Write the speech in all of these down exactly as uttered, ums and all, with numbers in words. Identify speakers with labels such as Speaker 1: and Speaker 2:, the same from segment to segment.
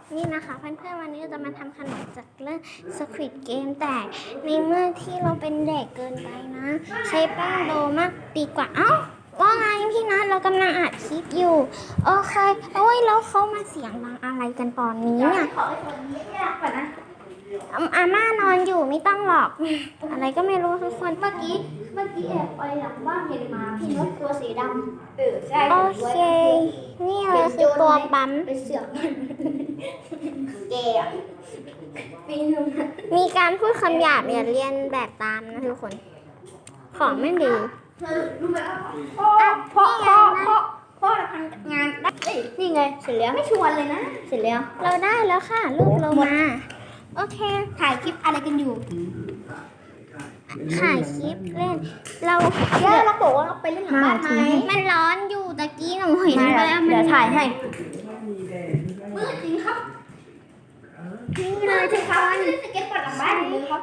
Speaker 1: นี่นะคะเพื่อนๆวันนี้เราจะมาทำขนมจากเรื่อง Squid Game แต่ในเมื่อที่เราเป็นเด็กเกินไปนะ ใช้แป้งโดมากดีกว่า เอ้าว่าไงพี่นัทเรากำลังอัดคลิปอยู่โอเคโอ้ยแล้วเขามาเสียงดังอะไรกันตอนนี้เนี่ยอาอาม่านอนอยู่ไม่ต้องหรอกอะไรก็ไม่รู้ทุกคนเมื่อกี้เมื่อกี้แอบไปหลังบ้านเห็นหมาพี่นกตัวสีดำเออใช่โอเคนี่เลยคือตัวปั๊มไปเสือกแกมีการพูดคำหยาบอย่าเรียนแบบตามนะทุกคนของไม่ดีรู้ไหมว่าพ่อพ่อพ่อพ่อทำงานได้นี่ไงเสร็จแล้วไม่ชวนเลยนะเสร็จแล้วเราได้แล้วค่ะรูปเรามาโอเคถ่ายคลิปอะไรกันอยู่ถ่ายคลิปเล่นเราเดี๋ยวเราบอกว่าเราไปเล่นหลังบ้านไหมมันร้อนอยู่ตะกี้หนูเห็นแล้วเดี๋ยวถ่ายให้มืดจริงครับนี่เลยทุกคนเล่นสเก็ตบอร์ดหลังบ้านเลยครับ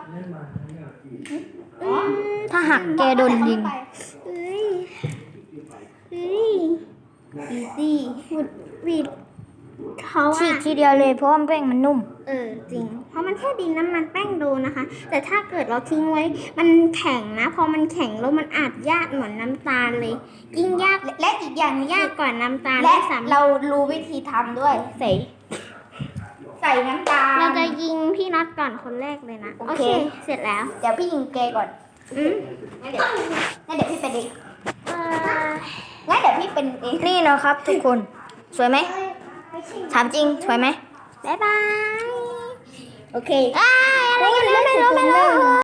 Speaker 2: ถ้าหักแกโดนยิง
Speaker 1: เฮ้ยเฮ้ยอีซี่วุดวิดเขา
Speaker 2: ฉีก
Speaker 1: อะ
Speaker 2: ทีเดียวเลยเพราะว่าแป้งมันนุ่ม
Speaker 1: เออจริงเพราะมันแค่ดินน้ำมันแป้งโดนะคะ แต่ถ้าเกิดเราทิ้งไว้มันแข็งนะพอมันแข็งแล้วมันอาจยากเหมือนน้ำตาลเลยยิ่งยากและอีกอย่างยากกว่าน้ำตาล
Speaker 2: และเรารู้วิธีทำด้วยใส่ใส่น้ำตาล
Speaker 1: เราจะยิงพี่น็อตก่อนคนแรกเลยนะ
Speaker 2: โอ
Speaker 1: โอ
Speaker 2: เค
Speaker 1: เคเสร็จแล้ว
Speaker 2: เดี๋ยวพี่ยิงแกก่อน
Speaker 1: อืม
Speaker 2: งั้นเดี๋ยวงั้นเดี๋ยวพี่เป็นเอง
Speaker 1: เอ่อ
Speaker 2: งั้นเดี๋ยวพี่เป็นเองนี่นะครับทุกคนสวยไหมถามจริงสวยไหม
Speaker 1: บ๊ายบาย
Speaker 2: โอเค
Speaker 1: อ้ายอะไรกันเนี่ยไม่รู้ไม่รู้